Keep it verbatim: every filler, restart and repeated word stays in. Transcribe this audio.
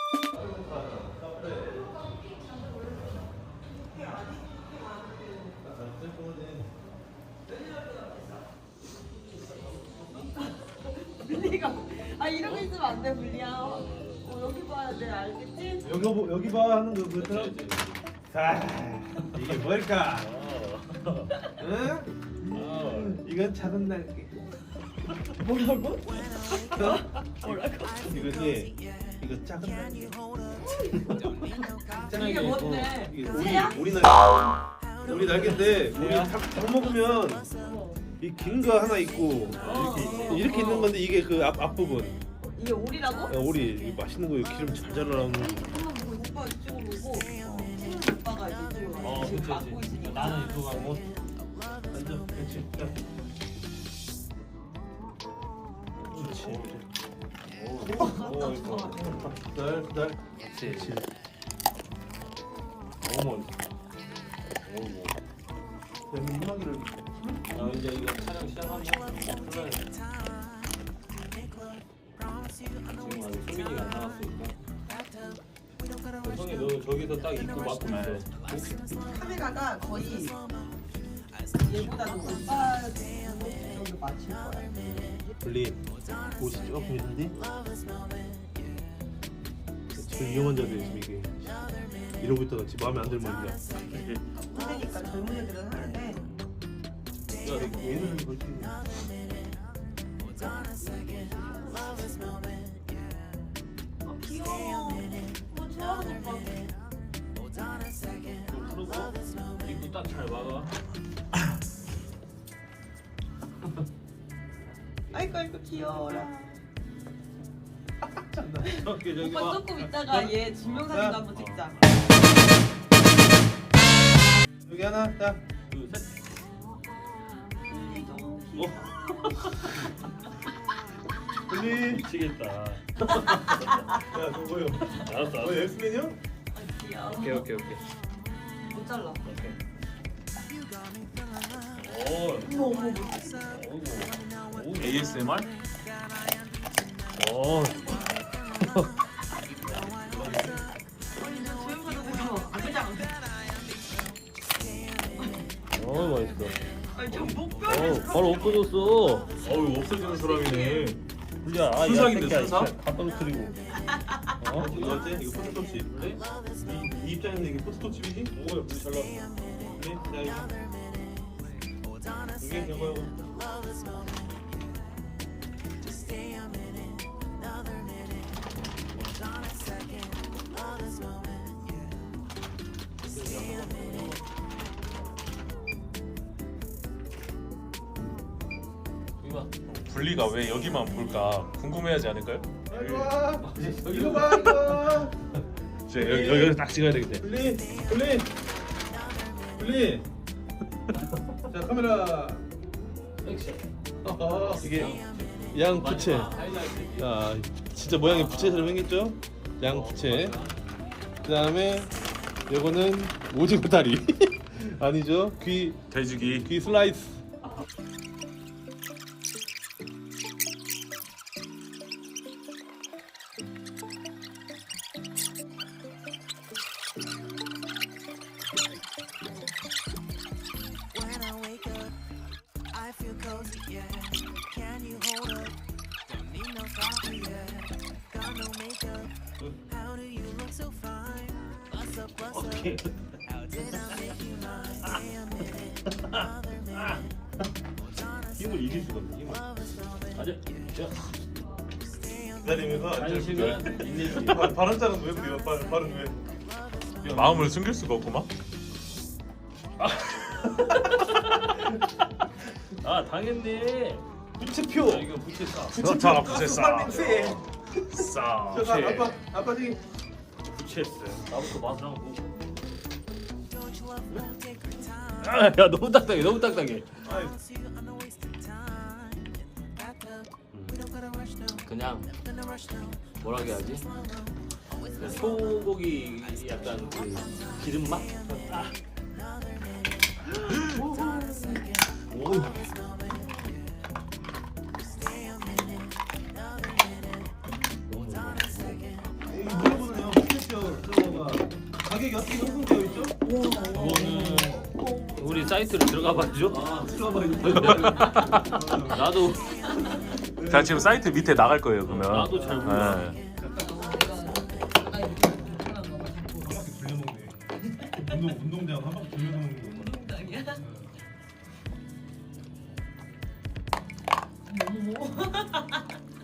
분리가 아 이러고 있으면 안 돼 분리야. 어, 여기 봐야 돼 알겠지? 여기 보 여기 봐 하는 거 그렇죠? 자 이게 뭘까? 응? 이건 작은 날개. 뭐라고? 어? 뭐라고? 이거지. 이거 작은 날개. 이게 뭔데? 이게 우리 새야? 우리 날개. 우리 날개인데 우리 닭, 닭 먹으면 어. 이 긴 거 하나 있고 이렇게 이렇게 있는 건데 이게 그 앞 앞부분. 이게 오리라고? 야, 우리 이거 맛있는 거 기름 잘 자라는 거. 한번 보고 오빠 이쪽으로 보고 친한 오빠가 이쪽으로 어, 지금 그치, 막고 그치. 있으니까 나는 이거 가고. 앉아. 그렇지. 자. 그렇지. 오, 오, 이거. 기다려 기다려. 그렇지. 너무 맛있어. 오, 대문마기를. 아 이제 이거 촬영 시작하면 풀어야 돼. 지금 아직 소민이가 안 나왔으니까. 성이 너 저기서 딱 입고 막고 있어. 카메라가 거의 얘보다도 오빠 정도 맞출 거야. 분리 옷이 조금 있는데 제일 위험한 자리에 지금 이게 이러고 있다가 지금 마음에 안 들면 이제 그러니까 젊은 애들은 하는데 야 얘는 그렇게 아 귀여워. 뭐 좋아하는 오빠. 좀 풀고 입고 딱 잘 막아. 아이고 아이고 귀여워라. 저기 저기 오빠 봐. 조금 있다가 얘 증명사진도 한번 찍자. 여기 하나 딱 둘, 셋. 분리. 미치겠다. 야 저거요. 알았어, 너 알았어. 엑스맨이야? 아 귀여워. 오케이, 오케이, 오케이. 못 잘라. 오케이. 오, 어머 어머. 오, 오, 에이에스엠알? 오, 조용하다 그냥. 어 맛있어. 아니 저 어, 목표를 바로 없어졌어. 어우 없어지는 사람이네. 불리야. 아, 순삭인데, 야, 순삭? 새끼야, 다 떨어뜨리고. 어? 이거 어때? 이거 포토톱치. 그래? 이, 이 입장에서 이게 포토톱치이지? 오야 물이 잘 나와. 그래? 자 이거. 이게 이거 이거. 이거 분리가 왜 여기만 볼까 궁금해하지 않을까요? 이거 와. 이거 봐 이거. 이제 여기 여기 딱 찍어야 되겠네. 분리 분리 분리. 자 카메라. 액션. 이게 양 부채. 하이라이트. 아 진짜 모양이 부채처럼 생겼죠? 양 부채. 그 다음에 요거는 오징어 다리. 아니죠? 귀 돼지기. 귀 슬라이스. When I wake up, I feel cozy, yeah. Can you hold up? Don't need no coffee, yeah. Got no makeup. How do you look so fine? Bust up, bust up. How did I make you mine? Stay a minute, another minute. 힘을 이길 수가 없네. 힘을. 아주. 자, 기다리면서 한식은 인내심. 발음 자는 왜 그래요? 발, 발음 왜? 마음을 숨길 수가 없구만. 아 당했네. 부채표. 야, 이거 부채 싸. 그렇다 부채 싸. 냄새. 싸. 저 아빠 아빠 저기 부채 싸. 나부터 맛을 한번 보고. Don't you love me? Take your time. 아, 야 너무 딱딱해. 너무 딱딱해. 아이 Promise you I'm not wasting time. Back up. We don't gotta rush now. 그냥 Gonna rush now. 뭐라 해야지? 그 소고기 약간 그 기름 맛? 아. 오. 물어보네요. 이게 어떻게 형성되어 있죠? 그거는 우리 사이트로 들어가 봐야죠. 아, 들어봐. 나도 자 지금 사이트 밑에 나갈 거예요 그러면. 나도 잘 몰라. 네. 한 바퀴 돌려먹네. 운동 운동장 한 바퀴 돌려서 먹는 거. 운동장이야? 어머.